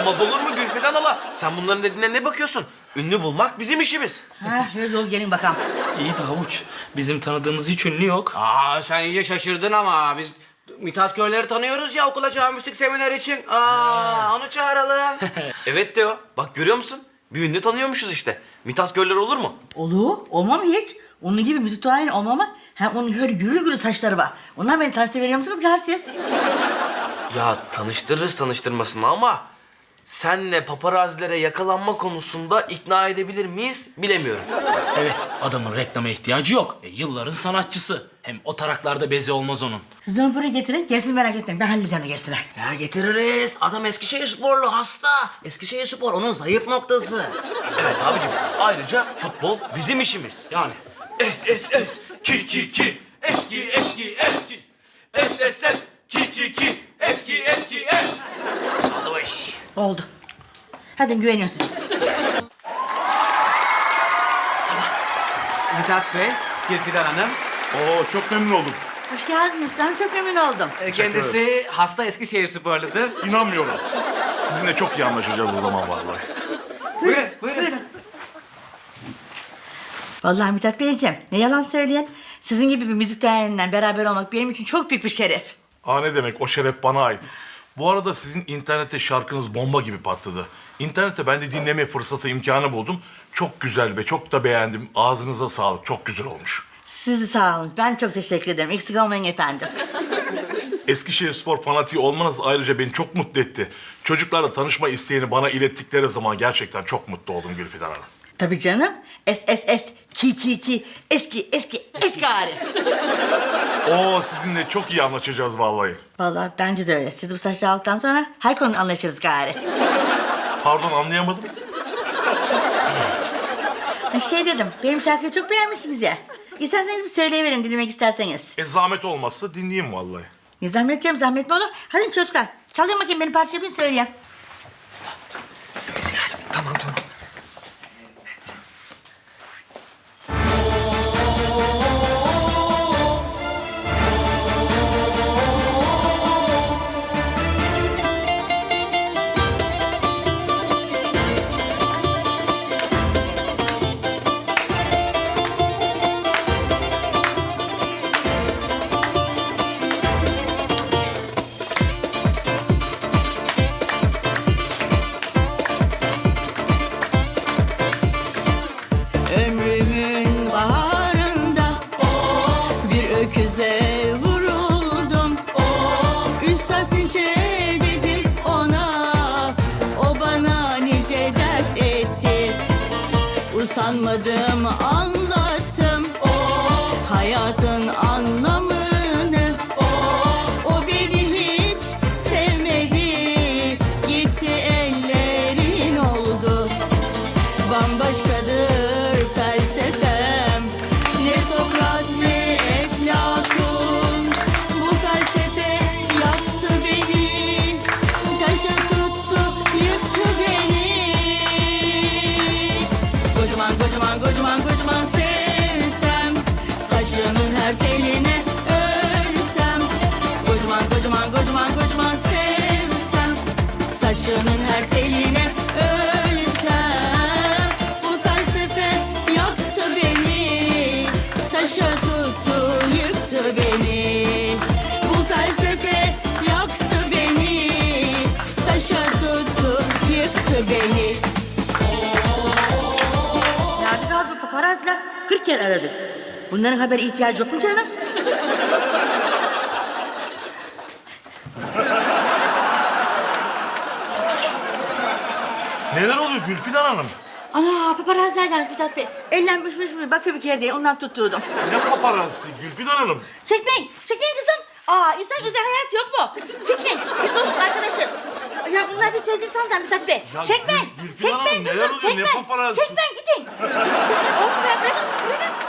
Olmaz olur mu Gülfeden hala? Sen bunların dediğine ne bakıyorsun? Ünlü bulmak bizim işimiz. Ha, öyle ol gelin bakalım. İyi de Havuç, bizim tanıdığımız hiç ünlü yok. Aa sen iyice şaşırdın ama biz Mithat Körler'i tanıyoruz ya okul açan müzik seminer için. Onu çağıralım. Evet Teo. Bak görüyor musun? Bir ünlü tanıyormuşuz işte. Mithat Görler olur mu? Olur. Olmam hiç. Onun gibi müzitüayen olmama. Hem onun öyle gürül gürül saçları var. Onlar beni tanıştırıveriyor musunuz garsiz? Ya tanıştırırız tanıştırmasını ama... ...senle paparazilere yakalanma konusunda ikna edebilir miyiz bilemiyorum. Evet, adamın reklama ihtiyacı yok. Yılların sanatçısı. Hem o taraklarda bezi olmaz onun. Siz onu buraya getirin. Gelsin merak etmeyin. Ben hallederim gerisini. Ya getiririz. Adam Eskişehir sporlu hasta. Eskişehir spor onun zayıf noktası. Evet abicim. Ayrıca futbol bizim işimiz. Yani. Es, ki, eski, es, ki, eski, es. Oldu bu iş. Oldu. Hadi güveniyorum size. Mithat Bey, Gülfidan Hanım. Oo, çok memnun oldum. Hoş geldiniz. Ben çok memnun oldum. Kendisi hasta Eskişehir sporludur. İnanmıyorum. Sizinle çok iyi anlaşacağız o zaman vallahi. Buyurun. Vallahi Mithat Beyciğim, ne yalan söyleyen. Sizin gibi bir müzik değerinden beraber olmak benim için çok büyük bir şeref. Ne demek, o şeref bana ait. Bu arada sizin internette şarkınız bomba gibi patladı. İnternette ben de dinleme fırsatı, imkanı buldum. Çok güzel ve çok da beğendim. Ağzınıza sağlık, çok güzel olmuş. Siz sağ olun. Ben çok teşekkür ederim. Eksik olmayın efendim. Eskişehir Spor fanatiği olmanız ayrıca beni çok mutlu etti. Çocuklarla tanışma isteğini bana ilettikleri zaman gerçekten çok mutlu oldum Gülfidan Hanım. Tabii canım. Ki. Eski Arif. Oo, sizinle çok iyi anlaşacağız vallahi. Vallahi bence de öyle. Siz bu saçları aldıktan sonra her konuda anlaşırız gari. Pardon, anlayamadım. Şey dedim, benim şarkıyı çok beğenmişsiniz ya. İsterseniz bir söyleyiverin dinlemek isterseniz. Zahmet olmazsa dinleyeyim vallahi. Ne zahmet canım, zahmet mi olur? Hadi çocuklar, çalın bakayım benim parçayı bir söyleyin. Tamam. Ömrümün baharında bir öküze vuruldum. Üstad nice dedim ona, o bana nice dert etti. Usanmadım anlattım hayatın anlamını. O beni hiç sevmedi, gitti ellerin oldu. Bambaşkadır felsefem, ne Sokrat ne Eflatun. Bu felsefe yaktı beni, taşı tuttu yıktı beni. Kocaman sevsem, saçının her teline örsem. Kocaman sevsem, saçının her teline ölsem. Bu felsefe yaktı beni, taşa tuttu yıktı beni. Bu felsefe yaktı beni, taşa tuttu yıktı beni. Nerede kaldı bu paparaziler? 40 kere aradık. Bunların haberi ihtiyacı yok mu canım? Neler oluyor Gülfidan Hanım? Ana paparaziler gelmiş Mithat Bey. Ellenmiş bakıyor bir kere diye ondan tutturdum. Ne paparazzi Gülfidan Hanım? Çekmeyin kızım. İnsan özel hayat yok mu? Çekmeyin, biz dostuz arkadaşız. Ya bunlar bir sevgili sandan Mithat Bey. Ya Çekmeyin, Gülfidan Hanım, çekmeyin neler kızım, oluyor? Ne çekmeyin. paparazzi? Çekmeyin, gidin. Kızım çekmeyin, oğlum ben bırakın.